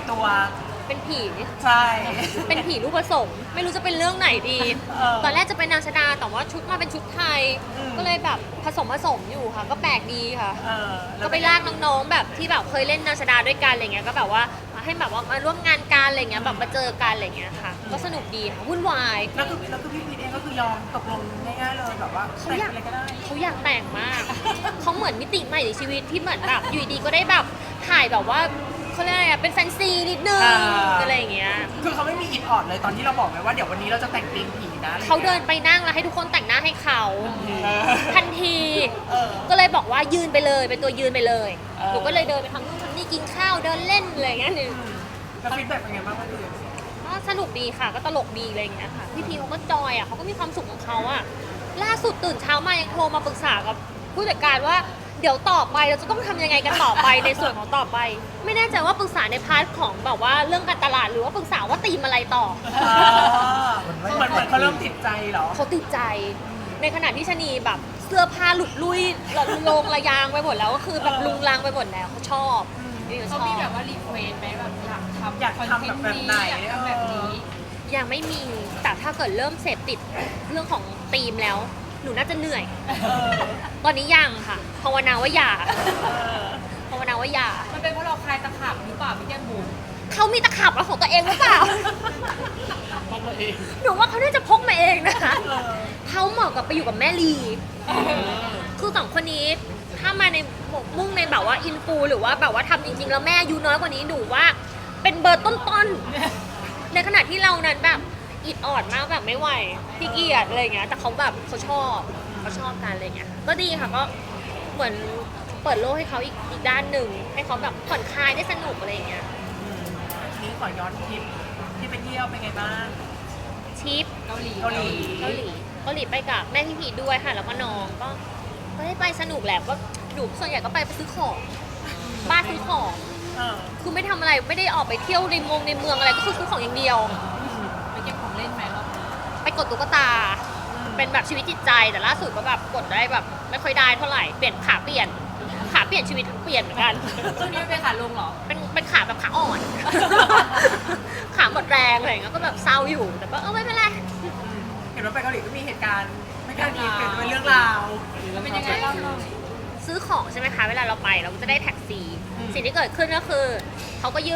ตัวเป็นผีใช่เป็นผีลูกผสมไม่รู้จะเป็นเรื่องไหนดี ตอนแรกจะเป็นนางชดาแต่ว่าชุดมาเป็นชุดไทย ก็เลยแบบผสมอยู่ค่ะ ก็แปลกดีค่ะก็ไปลากน้องๆแบบที่แบบเคยเล่นนางชดาด้วยกันอะไรเงี้ยก็แบบว่าให้แบบว่ามาร่วมงานกันอะไรเงี้ยแบบมาเจอกันอะไรเงี้ยค่ะก็สนุกดีค่ะวุ่นวายแล้วคือพี่พีทเองก็คือยอมตกลงง่ายๆเลยแบบว่าแต่งอะไรก็ได้เขาอยากแต่งมาก เขาเหมือนมิติใหม่ในชีวิตที่เหมือนแบบอยู่ดีก็ได้แบบถ่ายแบบว่าเขาเรียกอะไรอะเป็นแฟนซีนิดนึงอะไรอย่างเงี้ยคือเขาไม่มีอิดออดเลยตอนที่เราบอกไปว่าเดี๋ยววันนี้เราจะแต่งธีมผีนะเขาเดินไปนั่งแล้วให้ทุกคนแต่งหน้าให้เขาทันทีก็เลยบอกว่ายืนไปเลยเป็นตัวยืนไปเลยหนูก็เลยเดินไปทำนู่นทำนี่กินข้าวเดินเล่นอะไรอย่างเงี้ยนึงแล้วฟีดแบ็กเป็นไงบ้างคะพี่ก็สนุกดีค่ะก็ตลกดีอะไรอย่างเงี้ยค่ะพี่พีเขาก็จอยอ่ะเขาก็มีความสุขของเขาอ่ะล่าสุดตื่นเช้ามายังโทรมาปรึกษากับผู้จัดการว่าเดี๋ยวต่อไปเราจะต้องทำยังไงกันต่อไปในส่วนของต่อไปไม่แน่ใจว่าปรึกษาในพาร์ทของแบบว่าเรื่องการตลาดหรือว่าปรึกษาว่าตีมอะไรต่อเหมือนเขาเริ่มติดใจเหรอเขาติดใจในขณะที่ชะนีแบบเสื้อผ้าหลุดลุ่ยลงระยางไปหมดแล้วก็คือแบบลุงลังไปหมดแล้วเขาชอบเขามีแบบว่ารีเควสไหมแบบอยากทำแบบไหนแบบนี้ยังไม่มีแต่ถ้าเกิดเริ่มเสพติดเรื่องของธีมแล้วหนูน่าจะเหนื่อยตอนนี้ยังค่ะภาวนาว่าอย่าภาวนาว่าอย่ามันเป็นเพราะเราคลายตะขาบหรือเปล่าพี่แก้มบุ๋มเขามีตะขับของตัวเองหรือเปล่าพกมาเองหนูว่าเขาน่าจะพกมาเองนะคะเขาเหมาะกับไปอยู่กับแม่ลีคือสองคนนี้ถ้ามาในมุ่งในแบบว่าอินฟูหรือว่าแบบว่าทำจริงๆแล้วแม่อายุน้อยกว่านี้หนูว่าเป็นเบอร์ต้นๆในขณะที่เรานั้นแบบอิดออดมากแบบไม่ไหวขี้เกียจอะไรเงี้ยแต่เขาแบบเขาชอบกันอะไรเงี้ยก็ดีค่ะก็เหมือนเปิดโลกให้เขาอีกด้านหนึ่งให้เขาแบบผ่อนคลายได้สนุกอะไรเงี้ยนี้ขอย้อนทริปที่ไปเที่ยวเป็นไงบ้างทริปเกาหลีไปกับแม่พี่พีด้วยค่ะแล้วก็น้องก็ได้ไปสนุกแหละก็หนูส่วนใหญ่ก็ไปซื้อของบ้านซื้อของคือไม่ทำอะไรไม่ได้ออกไปเที่ยวในเมืองอะไรก็คือซื้อของอย่างเดียวไปเก็บของเล่นไหมรอบนี้ไปกดตุ๊กตาเป็นแบบชีวิตจิตใจแต่ล่าสุดก็แบบกดได้แบบไม่ค่อยได้เท่าไหร่เปลี่ยนขาเปลี่ยนชีวิตเปลี่ยนเหมือนกันช่วงนี้เป็นขาลงเหรอเป็นขาแบบขาอ่อนขาหมดแรงอะไรเงี้ยก็แบบเศร้าอยู่แต่ก็ไม่เป็นไรเห็นว่าไปเกาหลีก็มีเหตุการณ์ไม่คาดคิดเป็นเรื่องราวแล้วเป็นยังไงเล่าหน่อยซื้อของใช่ไหมคะเวลาเราไปเราก็จะได้แท็กซี่สิ่งที่เกิดขึ้นก็คือเขาก็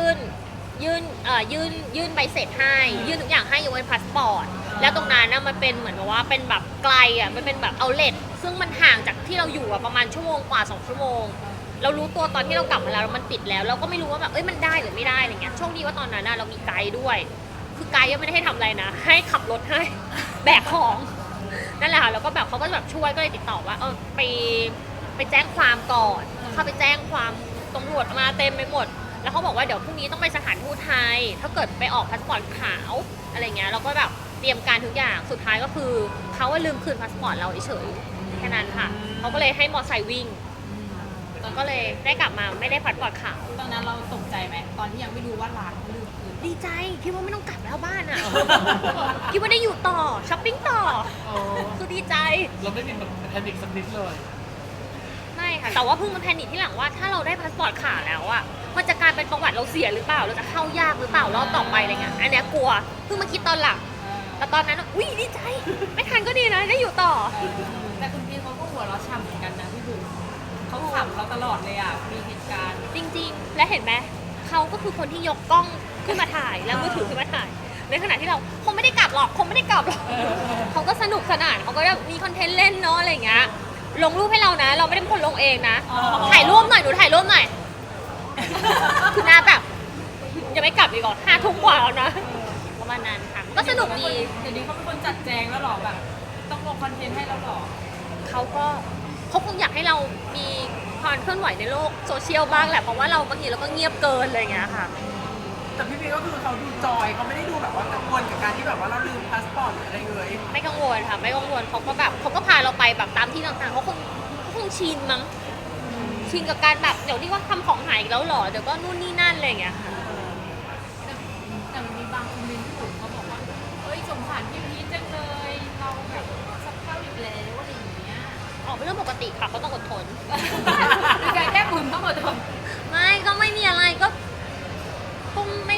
ยื่นใบเสร็จให้ยื่นทุกอย่างให้ยกเว้นพาสปอร์ตแล้วตรงนั้นนะมันเป็นเหมือนกับว่าเป็นแบบไกลอ่ะมันเป็นแบบเอาท์เลทซึ่งมันห่างจากที่เราอยู่ประมาณชั่วโมงกว่า2 ชั่วโมงเรารู้ตัวตอนที่เรากลับมาแล้วมันปิดแล้วเราก็ไม่รู้ว่าแบบมันได้หรือไม่ได้อะไรเงี้ยโชคดีว่าตอนนั้นเรามีไกด์ด้วยคือไกด์ยังไม่ได้ให้ทำอะไรนะให้ขับรถให้แบกของนั่นแหละค่ะแล้วก็แบบเขาก็แบบช่วยก็เลยติดต่อว่าไปแจ้งความก่อนเข้าไปแจ้งความตำรวจมาเต็มไปหมดแล้วเขาบอกว่าเดี๋ยวพรุ่งนี้ต้องไปสถานทูตไทยถ้าเกิดไปออกพาสปอร์ตขาวอะไรเงี้ยเราก็แบบเตรียมการทุกอย่างสุดท้ายก็คือเขาว่าลืมคืนพาสปอร์ตเราเฉยแค่นั้นค่ะเขาก็เลยให้มอไซค์วิ่งก็เลยได้กลับมาไม่ได้พาสปอร์ตขาวตอนนั้นเราตกใจไหมตอนที่ยังไม่รู้ว่าร้านเขาลืมคืนดีใจคิดว่าไม่ต้องกลับแล้วบ้านอ่ะคิดว่าได้อยู่ต่อช้อปปิ้งต่อคือดีใจเราไม่มีแบบแพนิคสักนิดเลยไม่ค่ะแต่ว่าเพิ่งมาแพนิคที่หลังว่าถ้าเราได้พาสปอร์ตขาวแล้วอ่ะมันจะกลายเป็นประวัติเราเสียหรือเปล่าเราจะเข้ายากหรือเปล่ารอบต่อไปอะไรเงี้ยอันเนี้ยกลัวเพิ่งมาคิดตอนหลังแต่ตอนนั้นอุ้ยดีใจไม่ทันก็ดีนะได้อยู่ต่อแต่คุณพี่เขาก็หัวเราะฉ่ำเหมือนกันนะพี่บุ๋มเขาขำเราตลอดเลยอ่ะมีเหตุการณ์จริงๆและเห็นไหมเขาก็คือคนที่ยกกล้องขึ้นมาถ่ายแล้วมือถือขึ้นมาถ่ายในขณะที่เราคงไม่ได้กลับหรอกเขาก็สนุกสนานเขาก็มีคอนเทนต์เล่นเนาะอะไรเงี้ยลงรูปให้เรานะเราไม่ได้เป็นคนลงเองนะถ่ายรูปหน่อยหนูถ่ายรูปหน่อยคือหน้าแบบยังไม่กลับอีกก่อน5 ทุ่มกว่าแล้วนะประมาณนั้นค่ะก็สนุกดีเดี๋ยวนี้เขาเป็นคนจัดแจงแล้วหรอแบบต้องลงคอนเทนต์ให้เราหรอเขาคงอยากให้เรามีความเคลื่อนไหวในโลกโซเชียลบ้างแหละเพราะว่าเราบางทีเราก็เงียบเกินอะไรเงี้ยค่ะแต่พี่พีก็คือเขาดูจอยเขาไม่ได้ดูแบบว่ากังวลกับการที่แบบว่าเราลืมพาสปอร์ตหรืออะไรเลยไม่กังวลค่ะไม่กังวลเขาก็แบบเขาก็พาเราไปแบบตามที่ต่างๆเขาคงชินมั้งชินกับการแบบเดี๋ยวนี้ว่าทำของหายอีกแล้วหรอเดี๋ยวก็นู่นนี่นั่นอะไรอย่างเงี้ยค่ะแต่มันมีบางคอมเมนต์ที่ผมเขาบอกว่าสงสารพี่พีชจังเลยเราแบบสับเข้าอีกแล้วอะไรอย่างเงี้ยเป็นเรื่องปกติค่ะเขาต้องอดทนมีการแก้บุญต้องอดทนไม่ก็ไม่มีอะไรก็คงไ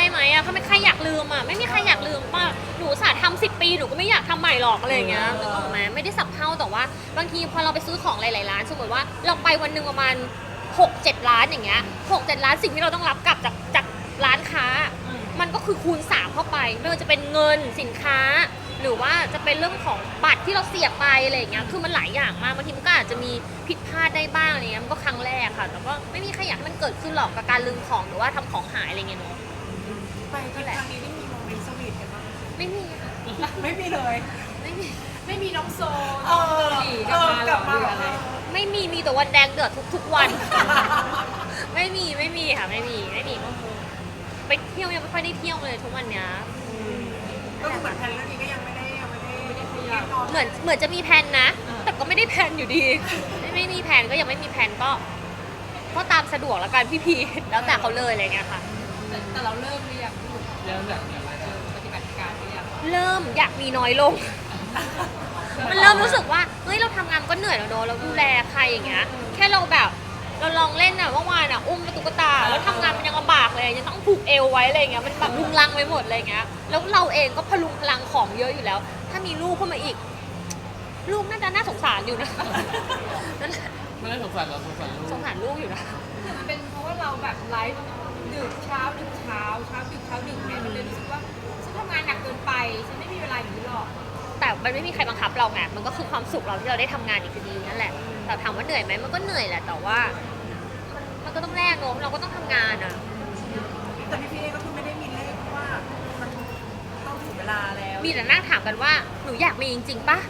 ได้ไหมอะถ้าไม่ใครอยากลืมอะไม่มีใครอยากลืมป่ะหนูสาทำ10 ปีหนูก็ไม่อยากทำใหม่หรอกอะไรอย่างเงี้ยนึกออกไหมไม่ได้สับเพร่าแต่ว่าบางทีพอเราไปซื้อของหลายๆร้านสมมติว่าเราไปวันหนึ่งประมาณ6-7 ร้านอย่างเงี้ย6-7 ร้านสิ่งที่เราต้องรับกลับจากร้านค้า มันก็คือคูณ3เข้าไปไม่ว่าจะเป็นเงินสินค้า หรือว่าจะเป็นเรื่องของบัตรที่เราเสียบไปอะไรอย่างเงี้ยคือมันหลายอย่างมากบางทีมันก็อาจจะมีผิดพลาดได้บ้างอะไรเงี้ยมันก็ครั้งแรกค่ะแต่ก็ไม่มีใครอยากให้มันเกิดขึ้นหรอกกับการลืมของหรือว่าทำของหายอะไรเงี้ยเนาะไปทริปครั้งนี้ได้มีโมเมนต์สวีทกันบ้างไม่มีค่ะไม่มีเลยไม่มีไม่มีน้องโซเออหลีกลับมาหรอหรืออะไรไม่มีมีแต่วันแดงเดือดทุกวัน ไม่มีค่ะไม่มีไปเที่ยวยังไม่ค่อยได้เที่ยวเลยทุกวันเนี้ยก็คือเหมือนแพลนเรื่องนี้ก็ยังไม่ได้ขยับเหมือนจะมีแผนนะ แต่ก็ไม่ได้แผนอยู่ดี ไม่มีแผนก็ยังไม่มีแผนก็ตามสะดวกแล้วกันพี่แล้วแต่เขาเลยอะไรเงี้ยค่ะแต่เราเริ่มหรือยังเริ่มจากอะไรนะปฏิบัติการหรือยังเริ่มอยากมีน้อยลง มันเริ่มรู้สึกว่าเฮ้ยเราทำงานก็เหนื่อยแล้วเนอะเราดูแลใครอย่างเงี้ยแค่เราแบบเราลองเล่นอะเมื่อวานอะอุ้มตุ๊กตาแล้วทำงานมันยังลำบากเลยยังต้องผูกเอวไว้อะไรเงี้ยมันแบบลุงลังไปหมดเลยเงี้ยแล้วเราเองก็พลุงพลังของเยอะอยู่แล้ว ถ้ามีลูกเข้ามาอีก ลูกน่าสงสารอยู่นะ นั่นแหละไม่ได้สงสารเราสงสารลูกสงสารลูกอยู่นะหรือมันเป็นเพราะว่าเราแบบไลฟ์ดึกเช้าดึกเช้าดึกไงมันเลยรู้สึกว่าฉันทำงานหนักเกินไปฉันไม่มีเวลาอย่างนี้หรอกแต่มันไม่มีใครบังคับเราไงมันก็คือความสุขเราที่เราได้ทำงานอีกทีนั่นแหละ แต่ถามว่าเหนื่อยไหมมันก็เหนื่อยแหละ แต่ว่ามันก็ต้องแลกเนอะเราก็ต้องทำงานอะแต่พี่เอก็คือไม่ได้มีเลขเพราะว่ามันต้องถึงเวลาแล้วมีแต่นั่งถามกันว่าหนูอยากมีจริงๆปะ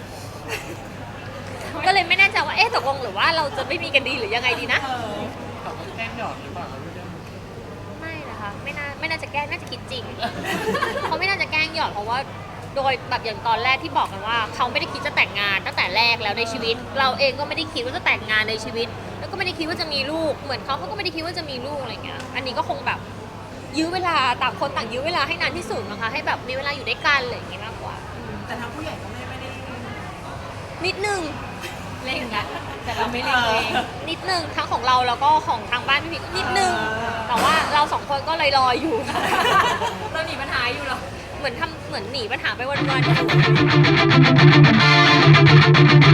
ก็เลยไม่แน่ใจว่าเอ๊ะตกลงหรือว่าเราจะไม่มีกันดีหรือยังไงดีนะเขาก็แกล้งหยอดหรือเปล่าเราไม่ได้ไม่นะคะไม่น่าจะแกล้งน่าจะคิดจริง เขาไม่น่าจะแกล้งหยอดเพราะว่าโดยแบบอย่างตอนแรกที่บอกกันว่าเขาไม่ได้คิดจะแต่งงานตั้งแต่แรกแล้วในชีวิต เราเองก็ไม่ได้คิดว่าจะแต่งงานในชีวิต แล้วก็ไม่ได้คิดว่าจะมีลูกเหมือนเขาก็ไม่ได้คิดว่าจะมีลูกอะไรเงี้ยอันนี้ก็คงแบบยื้อเวลาต่างคนต่างยื้อเวลาให้นานที่สุดนะคะให้แบบมีเวลาอยู่ด้วยกันอะไรอย่างงี้มากกว่าแต่ทางผู้ใหญ่ก็ไม่ได้นิดนึงเล่นนะแต่เราไม่เล่นเองนิดนึงทั้งของเราแล้วก็ของทางบ้านพี่พีก็นิดนึงแต่ว่าเราสองคนก็ลอยๆอยู่เราหนีปัญหาอยู่หรอเหมือนหนีปัญหาไปวันๆอยู่